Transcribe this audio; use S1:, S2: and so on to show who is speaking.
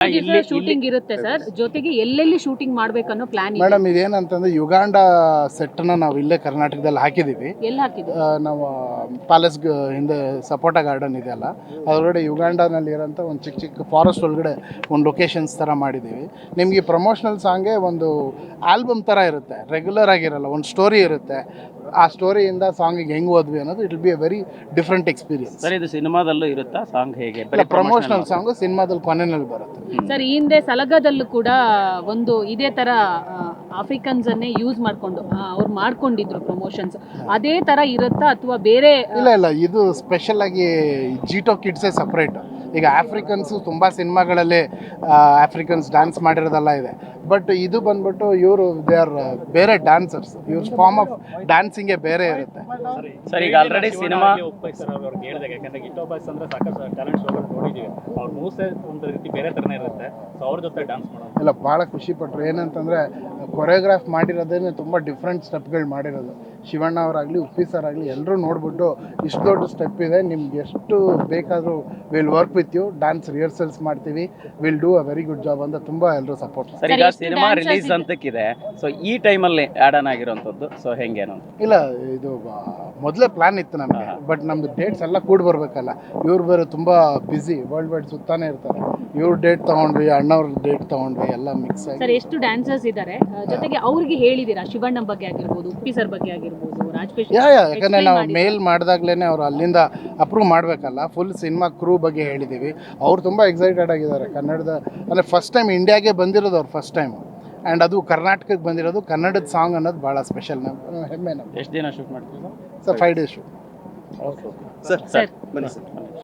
S1: ದಿವಸ ಶೂಟಿಂಗ್ ಇರುತ್ತೆ ಸರ್, ಜೊತೆಗೆ ಎಲ್ಲೆಲ್ಲಿ ಶೂಟಿಂಗ್ ಮಾಡ್ಬೇಕನ್ನೋ ಪ್ಲಾನ್ ಇದೆ.
S2: ಮೇಡಮ್ ಇದೇನಂತಂದ್ರೆ ಯುಗಾಂಡ ಸೆಟ್ನ ನಾವು ಇಲ್ಲೇ ಕರ್ನಾಟಕದಲ್ಲಿ ಹಾಕಿದ್ದೀವಿ.
S1: ಎಲ್ಲಿ ಹಾಕಿದ್ರು?
S2: ನಾವು ಪ್ಯಾಲೇಸ್ ಹಿಂದೆ ಸಪೋಟ ಗಾರ್ಡನ್ ಇದೆಯಲ್ಲ ಅದರೊಳಗಡೆ ಯುಗಾಂಡನಲ್ಲಿ ಇರೋಂಥ ಒಂದು ಚಿಕ್ಕ ಚಿಕ್ಕ ಫಾರೆಸ್ಟ್ ಒಳಗಡೆ ಒಂದು ಲೊಕೇಶನ್ಸ್ ಥರ ಮಾಡಿದ್ದೀವಿ. ನಿಮಗೆ ಪ್ರಮೋಷನಲ್ ಸಾಂಗೇ ಒಂದು ಆಲ್ಬಮ್ ಥರ ಇರುತ್ತೆ, ರೆಗ್ಯುಲರ್ ಆಗಿರಲ್ಲ, ಒಂದು ಸ್ಟೋರಿ ಇರುತ್ತೆ. ಆ ಸ್ಟೋರಿಯಿಂದ ಸಾಂಗಿಗೆ ಹೆಂಗೆ ಹೋದ್ವಿ ಅನ್ನೋದು it will be a very different experience.
S3: Sir ಇದು ಸಿನಿಮಾದಲ್ಲೂ ಇರುತ್ತಾ ಸಾಂಗ್ ಹೇಗೆ?
S2: ಪ್ರಮೋಷನಲ್ ಸಾಂಗು ಸಿನಿಮಾದಲ್ಲಿ ಕೊನೆಯಲ್ಲಿ ಬರುತ್ತೆ.
S1: ಸರ್ ಈ ಹಿಂದೆ ಸಲಗದಲ್ಲೂ ಕೂಡ ಒಂದು ಇದೇ ತರ ಆಫ್ರಿಕನ್ಸ್ ಅನ್ನೇ ಯೂಸ್ ಮಾಡ್ಕೊಂಡು ಅವ್ರು ಮಾಡ್ಕೊಂಡಿದ್ರು ಪ್ರಮೋಷನ್ಸ್, ಅದೇ ತರ ಇರುತ್ತಾ ಅಥವಾ ಬೇರೆ?
S2: ಇಲ್ಲ ಇದು ಸ್ಪೆಷಲ್ ಆಗಿ ಜೀಟೋ ಕಿಡ್ಸೇ ಸಪ್ರೇಟ್. ಈಗ ಆಫ್ರಿಕನ್ಸು ತುಂಬ ಸಿನಿಮಾಗಳಲ್ಲಿ ಆಫ್ರಿಕನ್ಸ್ ಡ್ಯಾನ್ಸ್ ಮಾಡಿರೋದೆಲ್ಲ ಇದೆ, ಬಟ್ ಇದು ಬಂದ್ಬಿಟ್ಟು ಇವರು ದೇ ಆರ್ ಬೇರೆ ಡ್ಯಾನ್ಸರ್ಸ್, ಇವ್ರ ಫಾರ್ಮ್ ಆಫ್ ಡ್ಯಾನ್ಸಿಂಗೇ ಬೇರೆ ಇರುತ್ತೆ.
S3: ಸರ್ ಈಗ ಆಲ್ರೆಡಿ ಸಿನಿಮಾ
S4: ಅವ್ರಿಗೆ ಹೇಳಿದಾಗ, ಯಾಕಂದ್ರೆ ಗಿಟ್ಟೋ ಬಾಯ್ಸ್ ಅಂದ್ರೆ ಸಾಕಷ್ಟು ಟ್ಯಾಲೆಂಟ್ ಶೋಗಳು ನೋಡಿದ್ದೀವಿ, ಅವ್ರ ಮೂವ್ಸೇ ಒಂದು ರೀತಿ ಬೇರೆ ಥರನೇ ಇರುತ್ತೆ. ಸೊ ಅವ್ರ ಜೊತೆ ಡ್ಯಾನ್ಸ್ ಮಾಡೋದು
S2: ಎಲ್ಲ ಭಾಳ ಖುಷಿ ಪಟ್ಟರು. ಏನಂತಂದರೆ ಕೊರಿಯೋಗ್ರಾಫ್ ಮಾಡಿರೋದೇನೆ ತುಂಬ ಡಿಫ್ರೆಂಟ್ ಸ್ಟೆಪ್ಗಳು ಮಾಡಿರೋದು. ಶಿವಣ್ಣ ಅವರಾಗಲಿ ಉಪ್ಪಿ ಸರ್ ಆಗಲಿ ಎಲ್ಲರೂ ನೋಡಿಬಿಟ್ಟು ಇಷ್ಟು ದೊಡ್ಡ ಸ್ಟೆಪ್ ಇದೆ, ನಿಮ್ಗೆ ಎಷ್ಟು ಬೇಕಾದರೂ will work with you, dance rehearsals ಮಾಡ್ತೀವಿ, will do a very good job ಅಂತ ತುಂಬ ಎಲ್ಲರೂ ಸಪೋರ್ಟ್.
S3: ಸರ್ ಈಗ ಸಿನಿಮಾ ರಿಲೀಸ್ ಅಂತಕ್ಕಿದೆ, ಸೊ ಈ ಟೈಮಲ್ಲಿ ಆ್ಯಡ್ ಆನ್ ಆಗಿರೋಂಥದ್ದು, ಸೊ ಹೆಂಗೇನು?
S2: ಇಲ್ಲ ಇದು ಮೊದಲೇ ಪ್ಲ್ಯಾನ್ ಇತ್ತು ನಮಗೆ, ಬಟ್ ನಮ್ಮದು ಡೇಟ್ಸ್ ಎಲ್ಲ ಕೂಡಿ ಬರಬೇಕಲ್ಲ. ಇವ್ರು ಬೇರೆ ತುಂಬ ಬ್ಯುಸಿ, ವರ್ಲ್ಡ್ ವೈಡ್ ಸುತ್ತಾನೆ ಇರ್ತಾರೆ. ಇವ್ರ ಡೇಟ್ ತೊಗೊಂಡ್ವಿ, ಅಣ್ಣವ್ರ ಡೇಟ್ ತೊಗೊಂಡ್ವಿ, ಎಲ್ಲ ಮಿಕ್ಸ್ ಆಗಿ.
S1: ಸರ್ ಎಷ್ಟು ಡ್ಯಾನ್ಸರ್ಸ್ ಇದ್ದಾರೆ, ಜೊತೆಗೆ ಅವ್ರಿಗೆ ಹೇಳಿದ್ದೀರಾ ಶಿವಣ್ಣ ಬಗ್ಗೆ ಆಗಿರ್ಬೋದು, ಉಪ್ಪಿ ಸರ್ ಬಗ್ಗೆ ಆಗಿರ್ಬೋದು, ರಾಜಪೇಶ್?
S2: ಯಾಕಂದರೆ ನಾವು ಮೇಲ್ ಮಾಡಿದಾಗ್ಲೇ ಅವ್ರು ಅಲ್ಲಿಂದ ಅಪ್ರೂವ್ ಮಾಡಬೇಕಲ್ಲ, ಫುಲ್ ಸಿನಿಮಾ ಕ್ರೂ ಬಗ್ಗೆ ಹೇಳಿದ್ದೀವಿ. ಅವ್ರು ತುಂಬ ಎಕ್ಸೈಟೆಡ್ ಆಗಿದ್ದಾರೆ. ಕನ್ನಡದ ಅಂದರೆ ಫಸ್ಟ್ ಟೈಮ್ ಇಂಡಿಯಾಗೆ ಬಂದಿರೋದು ಅವ್ರು ಫಸ್ಟ್ ಟೈಮ್, ಆ್ಯಂಡ್ ಅದು ಕರ್ನಾಟಕಕ್ಕೆ ಬಂದಿರೋದು. ಕನ್ನಡದ ಸಾಂಗ್ ಅನ್ನೋದು ಭಾಳ ಸ್ಪೆಷಲ್, ಹೆಮ್ಮೆ ನಮ್ಗೆ.
S3: ಎಷ್ಟು ದಿನ ಶೂಟ್ ಮಾಡ್ತೀವಿ
S2: ಸರ್ 5 days ಶೂಟ್.
S3: ಸರ್ ಬನ್ನಿ ಸರ್.